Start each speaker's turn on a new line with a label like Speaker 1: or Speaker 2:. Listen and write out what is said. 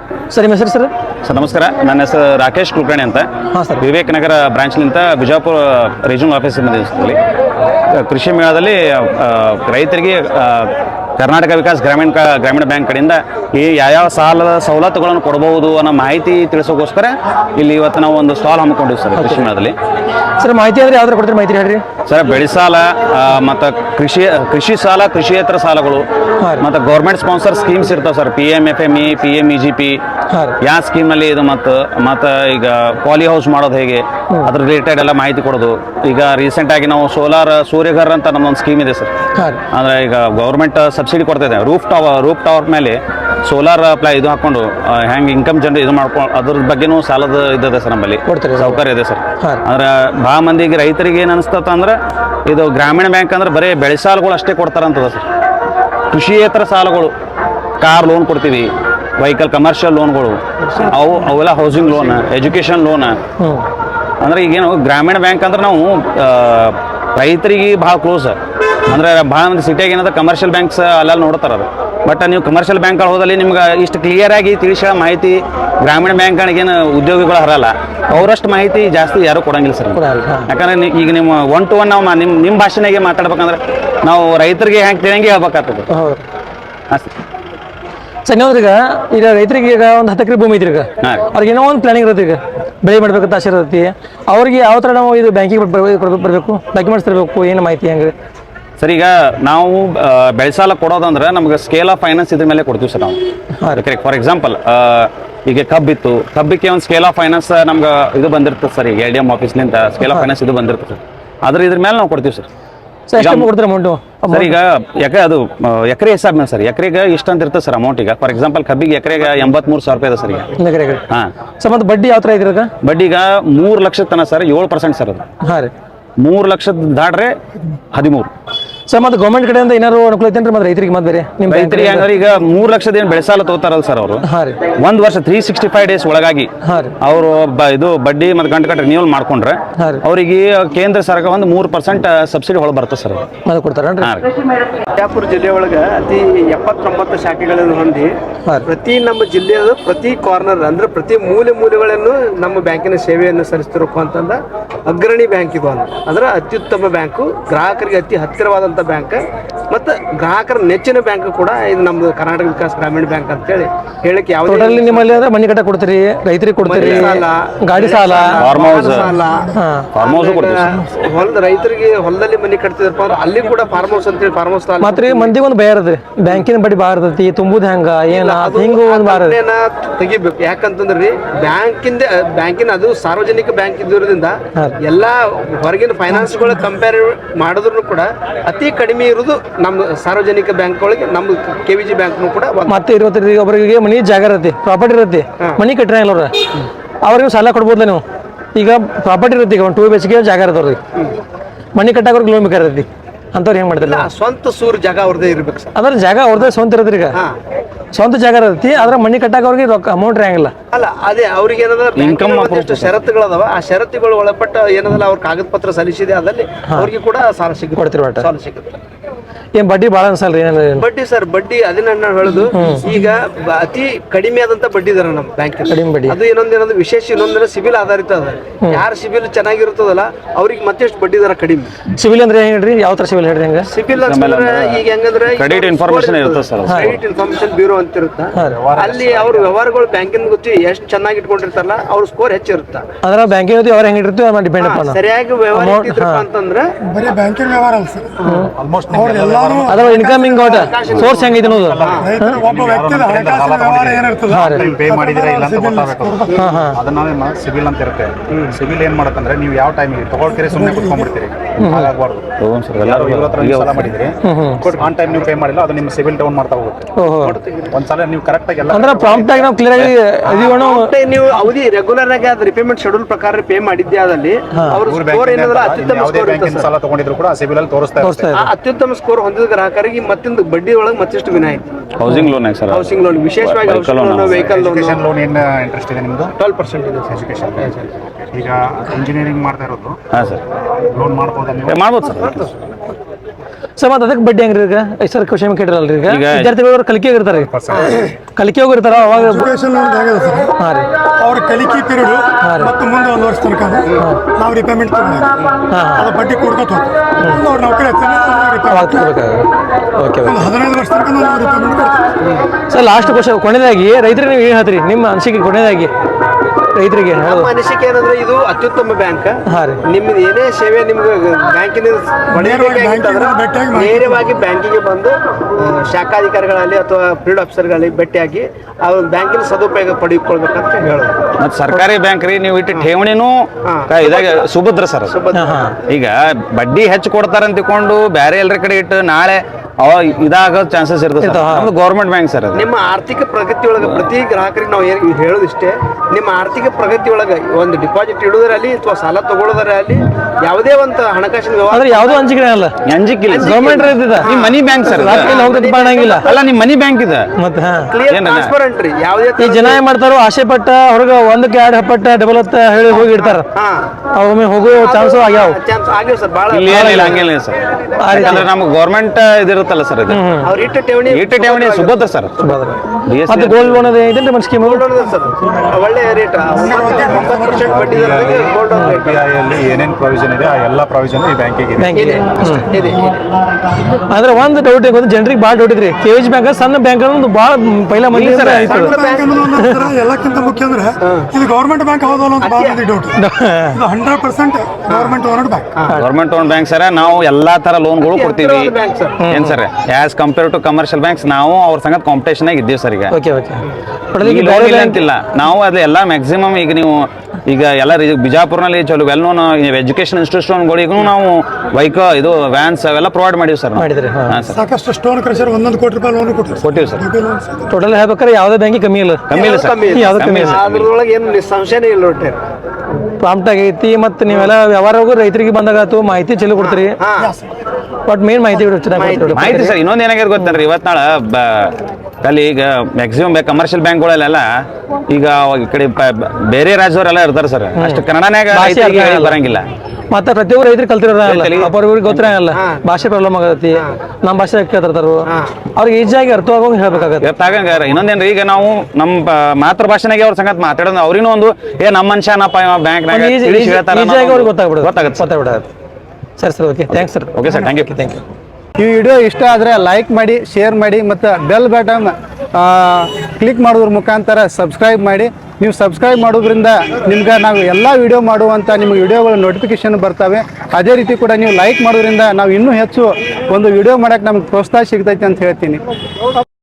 Speaker 1: Sir ನಿಮ್ಮ ಹೆಸರು sir?
Speaker 2: Sir ನಮಸ್ಕಾರ, ನನ್ನ ಹೆಸರು ರಾಕೇಶ್ ಕುಲಕರ್ಣಿ ಅಂತ.
Speaker 1: ಹಾಂ ಸರ್.
Speaker 2: ವಿವೇಕ್ ನಗರ ಬ್ರಾಂಚ್ನಿಂದ ಬಿಜಾಪುರ ರೀಜನಲ್ ಆಫೀಸ್ ಬಂದಿದ್ದೀವಿ. ಕೃಷಿ ಮೇಳದಲ್ಲಿ ರೈತರಿಗೆ ಕರ್ನಾಟಕ ವಿಕಾಸ್ ಗ್ರಾಮೀಣ ಬ್ಯಾಂಕ್ ಕಡೆಯಿಂದ ಯಾವ ಸಾಲದ ಸವಲತ್ತುಗಳನ್ನು ಕೊಡಬಹುದು ಅನ್ನೋ ಮಾಹಿತಿ ತಿಳಿಸೋಕ್ಕೋಸ್ಕರ ಇಲ್ಲಿ ಇವತ್ತು ನಾವು ಒಂದು ಸ್ಟಾಲ್ ಹಮ್ಮಿಕೊಂಡಿವಿ ಸರ್ ಕೃಷಿ ಮೇಳದಲ್ಲಿ.
Speaker 1: ಸರ್ ಮಾಹಿತಿ ಅಂದರೆ ಯಾವ್ದಾರು ಕೊಡ್ತೀರಿ ಮಾಹಿತಿ ಹೇಳ್ರಿ
Speaker 2: ಸರ್. ಬೆಳೆ ಸಾಲ ಮತ್ತು ಕೃಷಿ ಸಾಲ, ಕೃಷಿಯೇತರ ಸಾಲಗಳು ಮತ್ತು ಗೌರ್ಮೆಂಟ್ ಸ್ಪಾನ್ಸರ್ ಸ್ಕೀಮ್ಸ್ ಇರ್ತಾವೆ ಸರ್. PMFME, PMEGP ಯಾವ ಸ್ಕೀಮ್ನಲ್ಲಿ ಇದು ಮತ್ತು ಈಗ ಪಾಲಿ ಹೌಸ್ ಮಾಡೋದು ಹೇಗೆ, ಅದ್ರ ರಿಲೇಟೆಡ್ ಎಲ್ಲ ಮಾಹಿತಿ ಕೊಡೋದು. ಈಗ ರೀಸೆಂಟ್ ಆಗಿ ನಾವು ಸೂರ್ಯಘರ್ ಅಂತ ನಮ್ಮೊಂದು ಸ್ಕೀಮ್ ಇದೆ ಸರ್. ಅಂದರೆ ಈಗ ಗೌರ್ಮೆಂಟ್ ಸಬ್ಸಿಡಿ ಕೊಡ್ತಿದೆ. ರೂಫ್ ಟವರ್ ಮೇಲೆ ಸೋಲಾರ್ ಇದು ಹಾಕೊಂಡು ಹೆಂಗೆ ಇನ್ಕಮ್ ಜನರೇಟ್ ಇದು ಮಾಡ್ಕೊಂಡು ಅದ್ರ ಬಗ್ಗೆನೂ ಸಾಲದ ಇದೆ ಸರ್. ನಮ್ಮಲ್ಲಿ ಸೌಕರ್ಯ ಇದೆ ಸರ್. ಅಂದ್ರೆ ಭಾಳ ಮಂದಿಗೆ ರೈತರಿಗೆ ಏನು ಅನಿಸ್ತದ ಅಂದ್ರೆ ಇದು ಗ್ರಾಮೀಣ ಬ್ಯಾಂಕ್ ಅಂದ್ರೆ ಬರೀ ಬೆಳೆ ಸಾಲಗಳು ಅಷ್ಟೇ ಕೊಡ್ತಾರಂತದ ಸರ್. ಕೃಷಿಯೇತರ ಸಾಲಗಳು, ಕಾರ್ ಲೋನ್ ಕೊಡ್ತೀವಿ, ವೆಹಿಕಲ್ ಕಮರ್ಷಿಯಲ್ ಲೋನ್ಗಳು, ಅವೆಲ್ಲ ಹೌಸಿಂಗ್ ಲೋನ್, ಎಜುಕೇಷನ್ ಲೋನ್. ಅಂದ್ರೆ ಈಗೇನು ಗ್ರಾಮೀಣ ಬ್ಯಾಂಕ್ ಅಂದ್ರೆ ನಾವು ರೈತರಿಗೆ ಭಾಳ ಕ್ಲೋಸ್. ಅಂದ್ರೆ ಭಾಳ ಮಂದಿ ಸಿಟಿಯಾಗ ಏನಾದ್ರೆ ಕಮರ್ಷಿಯಲ್ ಬ್ಯಾಂಕ್ಸ್ ಅಲ್ಲೆಲ್ಲ ನೋಡ್ತಾರ ಅದು. ಬಟ್ ನೀವು ಕಮರ್ಷಿಯಲ್ ಬ್ಯಾಂಕ್ಗಳು ಹೋದಲ್ಲಿ ನಿಮ್ಗೆ ಇಷ್ಟು ಕ್ಲಿಯರ್ ಆಗಿ ತಿಳಿಸೋ ಮಾಹಿತಿ ಗ್ರಾಮೀಣ ಬ್ಯಾಂಕ್ಗಳಿಗೇನು ಉದ್ಯೋಗಿಗಳು ಹರಲ್ಲ. ಅವರಷ್ಟು ಮಾಹಿತಿ ಜಾಸ್ತಿ ಯಾರು ಕೊಡಂಗಿಲ್ಲ ಸರ್. ಯಾಕಂದ್ರೆ ಈಗ ನಿಮ್ಮ 1-to-1 ನಾವು ನಿಮ್ಮ ಭಾಷೆನಾಗೆ ಮಾತಾಡ್ಬೇಕಂದ್ರೆ ನಾವು ರೈತರಿಗೆ ಹೆಂಗೆ ತಿಳಿಯಂಗೆ ಹೇಳ್ಬೇಕಾಗ್ತದೆ. ಹಾಂ
Speaker 1: ಸರ್. ಈಗ ರೈತರಿಗೆ ಈಗ ಒಂದು 10 ಎಕರೆ ಭೂಮಿ ಐತ್ರಿ. ಈಗ ಅವ್ರಿಗೆ ಏನೋ ಒಂದು ಪ್ಲಾನಿಂಗ್ ಇರುತ್ತೆ. ಈಗ ಬೆಳೆ ಮಾಡ್ಬೇಕಂತ ಆಸೆ ಇರುತ್ತೆ ಅವ್ರಿಗೆ. ಯಾವ ಥರ ನಾವು ಇದು ಬ್ಯಾಂಕಿಗೆ ಬರಬೇಕು, ಡಾಕ್ಯುಮೆಂಟ್ಸ್ ತರಬೇಕು, ಏನು ಮಾಹಿತಿ ಹೆಂಗೆ
Speaker 2: ಸರ್? ಈಗ ನಾವು ಬೆಳೆ ಸಾಲ ಕೊಡೋದಂದ್ರೆ ನಮ್ಗೆ ಸ್ಕೇಲ್ ಆಫ್ ಫೈನಾನ್ಸ್ ಇದ್ರ ಮೇಲೆ ಕೊಡ್ತೀವಿ ಸರ್ ನಾವು. ಫಾರ್ ಎಕ್ಸಾಂಪಲ್ ಈಗ ಕಬ್ಬಿತ್ತು, ಕಬ್ಬಿಗೆ ಒಂದು ಸ್ಕೇಲ್ ಆಫ್ ಫೈನಾನ್ಸ್ ನಮ್ಗೆ ಇದು ಬಂದಿರ್ತದೆ ಸರ್. ಈಗ ADM ಆಫೀಸ್ಲಿಂದ ಸ್ಕೇಲ್ ಆಫ್ ಫೈನಾನ್ಸ್ ಇದು ಬಂದಿರ್ತದೆ ಸರ್. ಇದ್ರ ಮೇಲೆ ನಾವು ಕೊಡ್ತೀವಿ ಸರ್.
Speaker 1: ಸರ್ ಅಮೌಂಟು
Speaker 2: ಸರ್ ಈಗ ಅದು ಎಕರೆ ಹಿಸಾಬ್ ಮೇಲೆ ಸರ್. ಎಕರೆಗೆ ಇಷ್ಟ ಅಂತ ಇರ್ತದೆ ಸರ್ ಅಮೌಂಟ್. ಈಗ ಫಾರ್ ಎಕ್ಸಾಂಪಲ್ ಕಬ್ಬಿಗೆ ಎಕರೆಗೆ 83,000 ರೂಪಾಯಿ ಇದೆ ಸರ್ ಈಗ.
Speaker 1: ಹಾಂ ಸರ್. ಮತ್ತು ಬಡ್ಡಿ ಯಾವ ಥರ ಇದ್ರಾಗ?
Speaker 2: ಬಡ್ಡಿ ಈಗ 3 ಲಕ್ಷದ ತನಕ ಸರ್ 7% ಸರ್ ಅದು.
Speaker 1: ಹಾಂ ರೀ.
Speaker 2: 3 ಲಕ್ಷದ ದಾಟ್ರೆ 13.
Speaker 1: ಸರ್ ಮತ್ತು ಗೌರ್ಮೆಂಟ್ ಕಡೆಯಿಂದ ಏನಾದ್ರು ಅನುಕೂಲ ಐತೇನ್ರಿ ಮತ್ತೆ ರೈತರಿಗೆ? ಮತ್ತೆ ಬೇರೆ ನಿಮ್ಮ
Speaker 2: ರೈತರಿಗೆ ಹಂಗಾರೆ ಈಗ 3 ಲಕ್ಷದ ಏನು ಬೆಳೆ ಸಾಲ ತಗೋತಾರಲ್ಲ ಸರ್ ಅವರು, ಒಂದು ವರ್ಷ 365 ಡೇಸ್ ಒಳಗಾಗಿ ಅವರು ಇದು ಬಡ್ಡಿ ಮತ್ತು ಗಂಟು ರಿನ್ಯೂವಲ್ ಮಾಡ್ಕೊಂಡ್ರೆ ಅವರಿಗೆ ಕೇಂದ್ರ ಸರ್ಕಾರ ಒಂದು 3% ಸಬ್ಸಿಡಿ ಹೊಳ ಬರ್ತದೆ ಸರ್.
Speaker 1: ಅದು ಕೊಡ್ತಾರೇನ್ರಿ?
Speaker 3: ಬಿಜಾಪುರ ಜಿಲ್ಲೆ ಒಳಗೆ ಅತಿ 79 ಶಾಖೆಗಳನ್ನು ಹೊಂದಿ ಪ್ರತಿ ನಮ್ಮ ಜಿಲ್ಲೆಯ ಪ್ರತಿ ಕಾರ್ನರ್ ಅಂದ್ರೆ ಪ್ರತಿ ಮೂಲೆಗಳನ್ನು ನಮ್ಮ ಬ್ಯಾಂಕಿನ ಸೇವೆಯನ್ನು ಸಲ್ಲಿಸ್ತಿರಕ್ಕಂತಂದ ಅಗ್ರಣಿ ಬ್ಯಾಂಕ್ ಇದು. ಅಂದ್ರೆ ಅತ್ಯುತ್ತಮ ಬ್ಯಾಂಕು, ಗ್ರಾಹಕರಿಗೆ ಅತಿ ಹತ್ತಿರವಾದಂಥ ಬ್ಯಾಂಕ್ ಮತ್ತು ಗ್ರಾಹಕರ ನೆಚ್ಚಿನ ಬ್ಯಾಂಕ್ ಕೂಡ ಇದು ನಮ್ದು ಕರ್ನಾಟಕ ವಿಕಾಸ್ ಗ್ರಾಮೀಣ ಬ್ಯಾಂಕ್ ಅಂತ ಹೇಳಿ ಹೇಳಕ್ಕೆ ಯಾವುದೇ
Speaker 1: ನಿಮ್ಮಲ್ಲಿ ಅಂದ್ರೆ ಮನೆ ಕಟ್ಟ ಕೊಡ್ತೀರಿ, ರೈತರಿಗೆ ಕೊಡ್ತೀರಿ, ಗಾಡಿ ಸಾಲ,
Speaker 3: ರೈತರಿಗೆ ಹೊಲದಲ್ಲಿ ಮನೆ ಕಟ್ತಿದ್ರಪ್ಪ ಅಂದ್ರೆ ಅಲ್ಲಿ ಕೂಡ ಫಾರ್ಮ್ ಹೌಸ್ ಅಂತೇಳಿ ಫಾರ್ಮ್ ಹೌಸ್ ಸಾಲ
Speaker 1: ಮತ್ತೆ ಮಂದಿಗೆ ಒಂದು ಭಯ ಇರ್ತದೆ ಬ್ಯಾಂಕಿನ ಬಡ್ಡಿ ಭಾಳ ಇರ್ತೈತಿ, ತುಂಬುದು ಹೆಂಗ ಏನ ಹಿಂಗ ಒಂದು
Speaker 3: ತೆಗಿಬೇಕು. ಯಾಕಂತಂದ್ರಿ ಬ್ಯಾಂಕಿನ ಅದು ಸಾರ್ವಜನಿಕ ಬ್ಯಾಂಕ್ ಇದ್ದಿರೋದ್ರಿಂದ ಎಲ್ಲಾ ಹೊರಗಿನ ಫೈನಾನ್ಸ್ಗಳ ಕಂಪೇರ್ ಮಾಡಿದ್ರು ಕೂಡ ಅತಿ ಕಡಿಮೆ ಇರುವುದು ನಮ್ಮ ಸಾರ್ವಜನಿಕ ಬ್ಯಾಂಕ್ ಒಳಗೆ ನಮ್ಮ KVG ಬ್ಯಾಂಕ್ನು ಕೂಡ.
Speaker 1: ಮತ್ತೆ ಇರುತ್ತೆ ಒಬ್ಬರಿಗೆ ಮನಿ ಜಾಗ ಇರುತ್ತೆ, ಪ್ರಾಪರ್ಟಿ ಇರುತ್ತೆ, ಮನಿ ಕಟ್ಟಿರಂಗಿಲ್ಲ ಅವ್ರಿಗೆ ಸಾಲ ಕೊಡ್ಬೋದಿಲ್ಲ ನೀವು. ಈಗ ಪ್ರಾಪರ್ಟಿ ಇರುತ್ತೆ, ಈಗ 2 BHK ಜಾಗ ಇರ್ತವ್ರಿಗೆ, ಮನಿ ಕಟ್ಟಾಕ ಲೋನ್ ಬೇಕಾಗಿರುತ್ತೆ. ಅಂತವ್ರು ಹೆಂಗ್ ಮಾಡ್ತಿಲ್ಲ?
Speaker 3: ಸ್ವಂತ ಸೂರು ಜಾಗ ಅವ್ರದೇ ಇರ್ಬೇಕು ಸರ್.
Speaker 1: ಅದ್ರ ಜಾಗ ಅವ್ರದೇ ಸ್ವಂತ ಇರುತ್ತೆ. ಈಗ ಸ್ವಂತ ಜಾಗ ಇರುತ್ತೆ, ಅದ್ರ ಮನಿ ಕಟ್ಟಾಕ ಅವ್ರಿಗೆ ಅಮೌಂಟ್ ಇರಂಗಿಲ್ಲ.
Speaker 3: ಅಲ್ಲ ಅದೇ ಅವ್ರಿಗೆ ಏನದ ಷರತ್ತುಗಳದಾವ, ಆ ಷರತ್ತುಗಳು ಒಳಪಟ್ಟ ಏನದಲ್ಲ ಅವ್ರ ಕಾಗದ ಪತ್ರ ಸಲ್ಲಿಸಿದೆ ಅದಲ್ಲಿ ಅವ್ರಿಗೆ ಕೂಡ ಸಾಲ ಸಿಗುತ್ತೆ. ಸಾಲ ಸಿಗುತ್ತೆ.
Speaker 1: ಏನ್ ಬಡ್ಡಿ ಭಾಳ ಅನ್ಸಲ್ರಿ?
Speaker 3: ಬಡ್ಡಿ ಸರ್, ಬಡ್ಡಿ ಅದನ್ನ ನಾನು ಹೇಳುದು. ಈಗ ಅತಿ ಕಡಿಮೆ ಆದಂತ ಬಡ್ಡಿ ದರ ನಮ್ಮ ಬ್ಯಾಂಕ್
Speaker 1: ಕಡಿಮೆ ಬಡ್ಡಿ.
Speaker 3: ಅದು ಇನ್ನೊಂದು ವಿಶೇಷ ಸಿಬಿಲ್ ಆಧಾರಿತ ಅದ. ಯಾರ ಸಿಬಿಲ್ ಚೆನ್ನಾಗಿರ್ತದಲ್ಲ ಅವ್ರಿಗೆ ಮತ್ತೆಷ್ಟು ಬಡ್ಡಿ ದರ ಕಡಿಮೆ.
Speaker 1: ಸಿಬಿಲ್ ಅಂದ್ರೆ ಹೇಳ್ರಿ, ಯಾವ ತರ ಸಿಬಿಲ್ ಹೇಳ್ರಿ? ಹೆಂಗ
Speaker 3: ಸಿಬಿಲ್ ಅಂತಂದ್ರೆ ಈಗ ಹೆಂಗಂದ್ರೆ
Speaker 2: ಕ್ರೆಡಿಟ್ ಇನ್ಫಾರ್ಮೇಶನ್ ಇರುತ್ತೆ ಸರ್.
Speaker 3: ಕ್ರೆಡಿಟ್ ಇನ್ಫಾರ್ಮೇಶನ್ ಬ್ಯೂರೋ ಅಂತ ಇರುತ್ತೆ. ಅಲ್ಲಿ ಅವ್ರ ವ್ಯವಹಾರಗಳು ಬ್ಯಾಂಕಿನ ಗೊತ್ತಿ ಎಷ್ಟು ಚೆನ್ನಾಗಿ ಇಟ್ಕೊಂಡಿರ್ತಾರಲ್ಲ ಅವ್ರ ಸ್ಕೋರ್ ಹೆಚ್ಚಿರುತ್ತೆ.
Speaker 1: ಅದ್ರ ಬ್ಯಾಂಕಿನ ಅವ್ರ ಹೆಂಗಿರ್ತೀವಿ ಡಿಪೆಂಡ್ ಅಪಾನ್.
Speaker 3: ಸರಿಯಾಗಿ ವ್ಯವಹಾರ ಇಟ್ಟಿದ್ರಪ್ಪ ಅಂತಂದ್ರೆ
Speaker 4: ಬರೀ ಬ್ಯಾಂಕಿನ ವ್ಯವಹಾರ ಅಲ್ಲ ಸರ್, ಆಲ್ಮೋಸ್ಟ್
Speaker 1: ಅದ್ರ ಇನ್ಕಮಿಂಗ್ ಸೋರ್ಸ್ ಹೆಂಗೈತೆ ಅನ್ನೋದು.
Speaker 4: ಒಬ್ಬ ವ್ಯಕ್ತಿದ ಹಣಕಾಸಿನ ವ್ಯವಹಾರ ಏನಿರ್ತದೆ
Speaker 5: ಪೇ ಮಾಡಿದ್ರೆ ಇಲ್ಲ ಅಂತ ಗೊತ್ತಾಗಬೇಕು. ಅದನ್ನ ಸಿಬಿಲ್ ಅಂತ ಇರುತ್ತೆ. ಸಿಬಿಲ್ ಏನ್ ಮಾಡುತ್ತಂದ್ರೆ ನೀವು ಯಾವ ಟೈಮಿಗೆ ತಗೊಳ್ತೀರಿ ಸುಮ್ಮನೆ ಕುತ್ಕೊಂಡ್ಬಿಡ್ತೀರಿ, ಹಾಗಾಗಬಾರ್ದು. ಸಾಲ ಮಾಡಿದ್ರಿ ಆನ್ ಟೈಮ್ ನೀವು ಪೇ ಮಾಡಿಲ್ಲ, ಅದು ನಿಮ್ಮ ಸಿಬಿಲ್ ಡೌನ್ ಮಾಡ್ತಾ ಹೋಗುತ್ತೆ. ಒಂದ್ಸಲ ನೀವು ಕರೆಕ್ಟ್ ಆಗಿ
Speaker 1: ಅಂದ್ರೆ ಪ್ರಾಂಪ್ಟ್ ಆಗಿ ನಾವು ಕ್ಲಿಯರ್ ಆಗಿ
Speaker 3: ನೀವು ಅವಧಿ ರೆಗ್ಯುಲರ್ ಆಗಿ ಅದು ರಿಪೇಮೆಂಟ್ ಶೆಡ್ಯೂಲ್ ಪ್ರಕಾರ ಪೇ ಮಾಡಿದ್ದೆ ಆದಲ್ಲಿ ಅವ್ರ ಸ್ಕೋರ್ ಏನಾದ್ರೆ ಅತ್ಯುತ್ತಮ ಸ್ಕೋರ್ ಇರುತ್ತೆ.
Speaker 5: ಸಾಲ ತಗೊಂಡಿದ್ರು ಕೂಡ ಸಿಬಿಲ್ ಅಲ್ಲಿ ತೋರಿಸ್ತಾ ಇರುತ್ತೆ.
Speaker 3: ಅತ್ಯುತ್ತಮ ಸ್ಕೋರ್ ಹೊಂದಿದ ಗ್ರಾಹಕರಿಗೆ ಮತ್ತೊಂದು ಬಡ್ಡಿ ಒಳಗೆ ಮತ್ತಿಷ್ಟು ವಿನಾಯಿತಿ.
Speaker 2: Housing loan sir,
Speaker 3: housing loan ವಿಶೇಷವಾಗಿ ವೆಹಿಕಲ್
Speaker 5: ಎಜುಕೇಶನ್ ಲೋನ್ ಏನು ಇಂಟ್ರೆಸ್ಟ್ ಇದೆ ನಿಮ್ಮದು?
Speaker 3: 12% ಇದೆ
Speaker 5: ಎಜುಕೇಶನ್. ಈಗ ಇಂಜಿನಿಯರಿಂಗ್ ಮಾಡ್ತಾ ಇರೋದು
Speaker 2: ಹಾಂ ಸರ್,
Speaker 5: ಲೋನ್ ಮಾಡ್ಬೋದಾ ನೀವು?
Speaker 2: ಮಾಡ್ಬೋದು ಸರ್.
Speaker 1: ಸರ್ ಮತ್ತೆ ಅದಕ್ಕೆ ಬಡ್ಡಿ ಹೆಂಗ್ರಿ ಈಗ ಸರ್ ಕ್ವಶನ್ ಕೇಳಿರಲ್ರಿ ಈಗ
Speaker 2: ಈಗ-
Speaker 1: ವಿದ್ಯಾರ್ಥಿಗಳು ಕಲಿಕೆ ಇರ್ತಾರೆ ಕಲಿಕೆ ಹೋಗಿರ್ತಾರ ಅವಾಗ
Speaker 4: ಎಜುಕೇಶನ್ ಲೋನ್ ಹೇಗಿದೆ ಸರ್
Speaker 1: ಹಾಂ ರೀ
Speaker 4: ಅವ್ರ ಕಲಿಕೆ ಪೀರಿಯಡ್ ಮತ್ತು ಮುಂದೆ 1 ವರ್ಷ ತನಕ ನಾವು ರಿಪೇಮೆಂಟ್ ಅದು ಬಡ್ಡಿ ಕೊಡ್ಕೊತ ಅವ್ರ ನೌಕರಿ
Speaker 1: ಅವಾಗ ತಗೋಬೇಕಾಗುತ್ತೆ ಓಕೆ
Speaker 4: ಒಂದು 15 ವರ್ಷ ತನಕ ನಾವು ರಿಪೇಮೆಂಟ್ ಕೊಡ್ತೀವಿ.
Speaker 1: ಸರ್ ಲಾಸ್ಟ್ ಕ್ವಶನ್ ಕೊನೆಯದಾಗಿ ರೈತರಿಗೆ ನೀವು ಏನು ಹೇಳ್ತೀರಿ ನಿಮ್ಮ ಅನಿಸಿಕೆ ಕೊನೆಯದಾಗಿ ರೈತರಿಗೆ ಹೇಳೋದು
Speaker 3: ನಮ್ಮ ಅನಿಸಿಕೆ ಏನಂದ್ರೆ ಇದು ಅತ್ಯುತ್ತಮ ಬ್ಯಾಂಕ್.
Speaker 1: ಹಾಂ ರೀ
Speaker 3: ನಿಮ್ದು ಏನೇ ಸೇವೆ ನಿಮ್ಗೆ ಬ್ಯಾಂಕಿನ
Speaker 4: ಭೇಟಿಯಾಗಿ
Speaker 3: ನೇರವಾಗಿ ಬ್ಯಾಂಕಿಗೆ ಬಂದು ಶಾಖಾಧಿಕಾರಿಗಳಲ್ಲಿ ಅಥವಾ ಫೀಲ್ಡ್ ಆಫೀಸರ್ಗಳಲ್ಲಿ ಭೇಟಿಯಾಗಿ ಆ ಬ್ಯಾಂಕಿನ ಸದುಪಯೋಗ ಪಡೆದುಕೊಳ್ಬೇಕಂತ ಹೇಳೋದು.
Speaker 2: ಮತ್ತು ಸರ್ಕಾರಿ ಬ್ಯಾಂಕ್ ರೀ ನೀವು ಇಟ್ಟು ಠೇವಣಿನೂ ಇದಾಗ ಸುಭದ್ರ ಸರ್ ಈಗ ಬಡ್ಡಿ ಹೆಚ್ಚು ಕೊಡ್ತಾರಂತ ತಿಳ್ಕೊಂಡು ಬೇರೆ ಎಲ್ಲರ ಕಡೆ ಇಟ್ಟು ನಾಳೆ ಅವ ಇದಾಗೋ ಚಾನ್ಸಸ್ ಇರ್ತದೆ ನಮ್ದು ಗೌರ್ಮೆಂಟ್ ಬ್ಯಾಂಕ್ ಸರ್ ಅದು
Speaker 3: ನಿಮ್ಮ ಆರ್ಥಿಕ ಪ್ರಗತಿ ಒಳಗೆ ಪ್ರತಿ ಗ್ರಾಹಕರಿಗೆ ನಾವು ಏನು ಹೇಳೋದಿಷ್ಟೇ, ನಿಮ್ಮ ಆರ್ಥಿಕ ಪ್ರಗತಿ ಒಳಗೆ ಒಂದು ಡಿಪಾಸಿಟ್ ಇಡುವುದರಲ್ಲಿ ಅಥವಾ ಸಾಲ ತಗೊಳ್ಳೋದರಲ್ಲಿ ಯಾವುದೇ ಒಂದು ಹಣಕಾಸಿನ ವ್ಯವಹಾರ
Speaker 1: ಆದ್ರೆ ಯಾವುದೋ ಅಂಜಿಕೆ ಅಲ್ಲ
Speaker 2: ಅಂಜಿಕಿಲ್ಲ
Speaker 1: ಗೌರ್ಮೆಂಟ್ ಇದ್ದಿದ್ದ
Speaker 2: ನಿಮ್ ಮನಿ ಬ್ಯಾಂಕ್ ಸರ್
Speaker 1: ಹೋಗೋದು ಮಾಡಂಗಿಲ್ಲ
Speaker 2: ಅಲ್ಲ ನಿಮ್ ಮನಿ ಬ್ಯಾಂಕ್ ಇದೆ
Speaker 1: ಮತ್ತೆ ಹಾ
Speaker 3: ಕ್ಲಿಯರ್
Speaker 2: ಏನ?
Speaker 3: ಟ್ರಾನ್ಸ್ಪರೆಂಟ್ ರೀ. ಯಾವುದೇ
Speaker 1: ಈ ಜನ ಏನ್ ಮಾಡ್ತಾರೋ ಆಸೆ ಪಟ್ಟ ಹೊರಗೆ ಒಂದಕ್ಕೆ 2 ಹಪ್ಪಟ್ಟ ಡಬಲ್ ಹತ್ತ ಹೇಳಿ ಹೋಗಿ ಇಡ್ತಾರ ಒಮ್ಮೆ ಹೋಗೋ ಚಾನ್ಸ್ ಆಗ್ಯಾವ
Speaker 3: ಚಾನ್ಸ್ ಆಗಿವೆ ಸರ್ ಭಾಳ.
Speaker 2: ಇಲ್ಲಿ ಏನಿಲ್ಲ ಹಂಗಿಲ್ಲ ಸರ್ ಯಾಕಂದ್ರೆ ನಮ್ಗೆ ಗೌರ್ಮೆಂಟ್ ಇದಿರುತ್ತಲ್ಲ ಸರ್ ಇದು
Speaker 3: ಅವ್ರು ಇಟ್ಟು ಠೇವಣಿ
Speaker 2: ಠೇವಣಿ ಸುಭದ್ರ ಸರ್
Speaker 1: ಮತ್ತೆ ಗೋಲ್ಡ್ ಲೋನ್ ಅದೇ ಇದೆ ನಮ್ಮ ಸ್ಕೀಮ್
Speaker 3: ಸರ್ ಒಳ್ಳೆ ರೇಟ್ 9% ಬಡ್ಡಿ ದರದಲ್ಲಿ ಗೋಲ್ಡ್ ಲೋನ್ ರೇಟ್
Speaker 5: ಅಲ್ಲಿ ಏನೇನು ಪ್ರಾವಿಷನ್ ಇದೆ ಆ ಎಲ್ಲ ಪ್ರಾವಿಷನ್ ಈ ಬ್ಯಾಂಕಿಗೆ ಇದೆ.
Speaker 1: ಬ್ಯಾಂಕಿಗೆ
Speaker 3: ಇದೆ.
Speaker 1: ಅಂದ್ರೆ ಒಂದು ಡೌಟ್ ಒಂದು ಜನರಿಗೆ ಭಾಳ ಡೌಟ್ ಇದ್ರಿ KVH ಬ್ಯಾಂಕ್ ಸಣ್ಣ ಬ್ಯಾಂಕ್ ಅನ್ನೋದು ಭಾಳ ಪೈಲ ಮಂದಿ
Speaker 3: ಸಣ್ಣ
Speaker 4: ಬ್ಯಾಂಕ್ ಅನ್ನೋದು ಒಂದೊಂಥರ ಎಲ್ಲಕ್ಕಿಂತ ಮುಖ್ಯ ಅಂದ್ರೆ ಇದು ಗೌರ್ಮೆಂಟ್ ಬ್ಯಾಂಕ್ ಹೌದಲ್ಲ ಅಂತ ಭಾಳ ಮಂದಿ ಡೌಟ್. ಇದು 100% government owned bank.
Speaker 2: Government own bank sir ನಾವು ಎಲ್ಲಾ ತರ ಲೋನ್ಗಳು ಕೊಡ್ತೀವಿ
Speaker 3: ಬ್ಯಾಂಕ್ ಸರ್.
Speaker 2: ಏನ್ sir as compare to commercial banks ನಾವು ಅವ್ರ ಸಂಗತ್ ಕಾಂಪಿಟೇಷನ್ ಆಗಿ ಇದ್ದೀವಿ ಸರ್ ಈಗ
Speaker 1: ಓಕೆ ಓಕೆ
Speaker 2: ಈಗ ಲೋನ್ ಇಲ್ಲ ಅಂತಿಲ್ಲ ನಾವು ಅದು ಎಲ್ಲ ಮ್ಯಾಕ್ಸಿಮಮ್ ಈಗ ನೀವು ಈಗ ಎಲ್ಲ ಬಿಜಾಪುರ್ನಲ್ಲಿ ಚಲೋ ವೆಲ್ ನೋನ್ ಎಜುಕೇಶನ್ ಇನ್ಸ್ಟಿಟ್ಯೂಷನ್ಗಳಿಗೂ ನಾವು ಇದು ವ್ಯಾನ್ಸ್ ಅವೆಲ್ಲ ಪ್ರೊವೈಡ್ ಮಾಡಿವಿ ಸರ್
Speaker 1: ಮಾಡಿದ್ರಿ
Speaker 2: ಹಾಂ ಸರ್
Speaker 4: ಸಾಕಷ್ಟು ಸ್ಟೋನ್ ಕ್ರಷರ್ 1 ಕೋಟಿ ರೂಪಾಯಿ ಲೋನ್
Speaker 2: ಕೊಟ್ಟಿವಿ ಸರ್
Speaker 1: ಟೋಟಲ್ ಹೇಳ್ಬೇಕಾದ್ರೆ ಯಾವುದೇ ಬ್ಯಾಂಕಿಗೆ ಕಮ್ಮಿ ಇಲ್ಲ
Speaker 2: ಕಮ್ಮಿ ಇಲ್ಲ ಸರ್
Speaker 1: ಯಾವ್ದು ಕಮ್ಮಿ ಇಲ್ಲ
Speaker 3: ಅದ್ರೊಳಗೆ ಏನು ಸಂಶಯನೇ ಇಲ್ಲ ಒಟ್ಟೆ.
Speaker 1: ಪ್ರಾಂಪ್ಟ್ ಆಗೈತಿ ಮತ್ತೆ ನೀವೆಲ್ಲ ವ್ಯವಹಾರಗೂ ರೈತರಿಗೆ ಬಂದಾಗತ್ತು ಮಾಹಿತಿ ಚಲೋ ಕೊಡ್ತೀರಿ ಬಟ್ ಮೇನ್ ಮಾಹಿತಿ
Speaker 2: ಮಾಹಿತಿ ಸರ್ ಇನ್ನೊಂದು ಏನಾಗಿದೆ ಗೊತ್ತೇನ್ರಿ ಇವತ್ತು ನಾಳೆ ಅಲ್ಲಿ ಈಗ ಮ್ಯಾಕ್ಸಿಮಮ್ ಕಮರ್ಷಿಯಲ್ ಬ್ಯಾಂಕ್ಗಳೆಲ್ಲ ಈಗ ಈ ಕಡೆ ಬೇರೆ ರಾಜ್ಯದವರೆಲ್ಲ ಇರ್ತಾರೆ ಸರ್ ಅಷ್ಟು ಕನ್ನಡನಾಗ ರೈತರಿಗೆ ಬರಂಗಿಲ್ಲ
Speaker 1: ಮತ್ತೆ ಪ್ರತಿಯೊಬ್ಬರು ರೈತರಿಗೆ ಕಲ್ತಿರೋಲ್ಲ ಒಬ್ಬರಿಗೆ ಗೊತ್ತಿರಂಗಿಲ್ಲ ಭಾಷೆ ಪ್ರಾಬ್ಲಮ್ ಆಗತ್ತಿ ನಮ್ಮ ಭಾಷೆ ಕೇಳ್ತಿರ್ತಾರು ಅವ್ರಿಗೆ ಈಜಿಯಾಗಿ ಅರ್ಥವಾಗೋಂಗ್ ಹೇಳ್ಬೇಕಾಗತ್ತೆ
Speaker 2: ಗೊತ್ತಾಗಂಗ ಇನ್ನೊಂದೇನ್ರಿ ಈಗ ನಾವು ನಮ್ಮ ಮಾತೃಭಾಷೆನಾಗೆ ಅವ್ರ ಸಂಗತ್ ಮಾತಾಡೋದು ಅವ್ರಿಗೂ ಒಂದು ನಮ್ಮ ಮನುಷ್ಯನಪ್ಪ ಬ್ಯಾಂಕ್ನಾಗ
Speaker 1: ಈಜಿಯಾಗಿ ಅವ್ರಿಗೆ ಗೊತ್ತಾಗ್ಬಿಡುತ್ತೆ
Speaker 2: ಗೊತ್ತಾಗುತ್ತೆ
Speaker 1: ಸರಿ sir okay thanks sir
Speaker 2: okay sir thank you
Speaker 6: ಈ ವಿಡಿಯೋ ಇಷ್ಟ ಆದರೆ ಲೈಕ್ ಮಾಡಿ ಶೇರ್ ಮಾಡಿ ಮತ್ತು ಬೆಲ್ ಬಟನ್ ಕ್ಲಿಕ್ ಮಾಡೋದ್ರ ಮುಖಾಂತರ ಸಬ್ಸ್ಕ್ರೈಬ್ ಮಾಡಿ. ನೀವು ಸಬ್ಸ್ಕ್ರೈಬ್ ಮಾಡೋದ್ರಿಂದ ನಿಮ್ಗೆ ನಾವು ಎಲ್ಲ ವಿಡಿಯೋ ಮಾಡುವಂಥ ನಿಮಗೆ ವಿಡಿಯೋಗಳ ನೋಟಿಫಿಕೇಶನ್ ಬರ್ತವೆ. ಅದೇ ರೀತಿ ಕೂಡ ನೀವು ಲೈಕ್ ಮಾಡೋದ್ರಿಂದ ನಾವು ಇನ್ನೂ ಹೆಚ್ಚು ಒಂದು ವಿಡಿಯೋ ಮಾಡೋಕ್ಕೆ ನಮ್ಗೆ ಪ್ರೋತ್ಸಾಹ ಸಿಗ್ತೈತೆ ಅಂತ ಹೇಳ್ತೀನಿ.